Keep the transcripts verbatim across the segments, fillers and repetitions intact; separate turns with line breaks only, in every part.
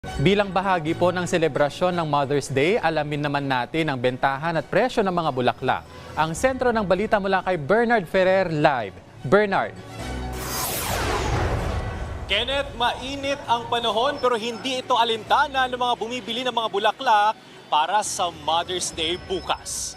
Bilang bahagi po ng selebrasyon ng Mother's Day, alamin naman natin ang bentahan at presyo ng mga bulaklak. Ang sentro ng balita mula kay Bernard Ferrer live. Bernard.
Kenneth, mainit ang panahon pero hindi ito alintana ng mga bumibili ng mga bulaklak para sa Mother's Day bukas.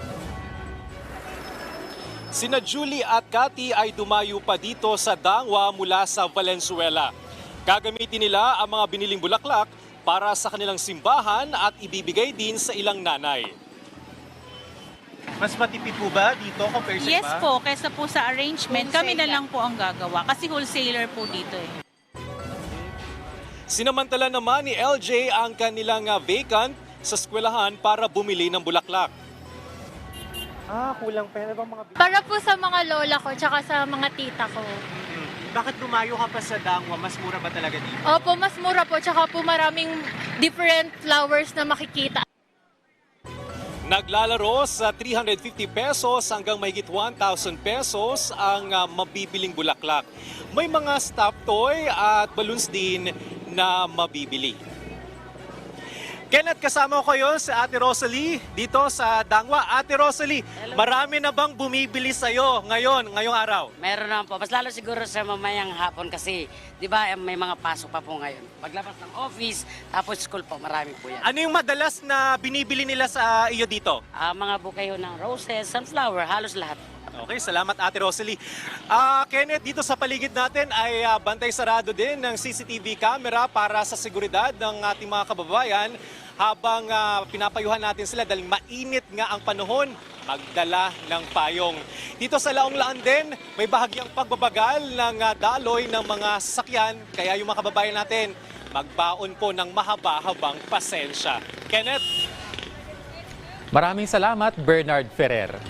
Sina Julie at Cathy ay dumayo pa dito sa Dangwa mula sa Valenzuela. Gagamitin nila ang mga biniling bulaklak para sa kanilang simbahan at ibibigay din sa ilang nanay.
Mas matipid po ba dito compared sa
Yes
iba?
po, kaysa po sa arrangement, kami na
Wholesale
lang po ang gagawa kasi wholesaler po dito eh.
Sinamantala naman ni L J ang kanilang ah, vacant sa eskwelahan para bumili ng bulaklak.
Ah, kulang pa. Ano bang mga...
Para po sa mga lola ko tsaka sa mga tita ko.
Hmm. Bakit dumayo ka pa sa Dangwa? Mas mura ba talaga dito?
Opo, mas mura po tsaka po maraming different flowers na makikita.
Naglalaro sa three hundred fifty pesos hanggang mahigit one thousand pesos ang ah, mabibiling bulaklak. May mga stuffed toy at balloons din na mabibili. Kenneth, kasama ko yun sa Ate Rosalie dito sa Dangwa. Ate Rosalie, marami na bang bumibili sa'yo ngayon, ngayong araw?
Meron naman po. Mas lalo siguro sa mamayang hapon kasi, di ba, may mga pasok pa po ngayon. Paglabas ng office, tapos school po, marami po yan.
Ano yung madalas na binibili nila sa iyo dito?
Ah, mga bukayo ng roses, sunflower, halos lahat.
Okay, salamat Ate Rosalie. Ah, Kenneth, dito sa paligid natin ay ah, bantay sarado din ng C C T V camera para sa seguridad ng ating mga kababayan habang ah, pinapayuhan natin sila dahil mainit nga ang panahon, magdala ng payong. Dito sa Laong-Laan din, may bahagyang pagbabagal ng ah, daloy ng mga sasakyan, kaya yung mga kababayan natin magbaon po ng mahaba-habang pasensya. Kenneth?
Maraming salamat, Bernard Ferrer.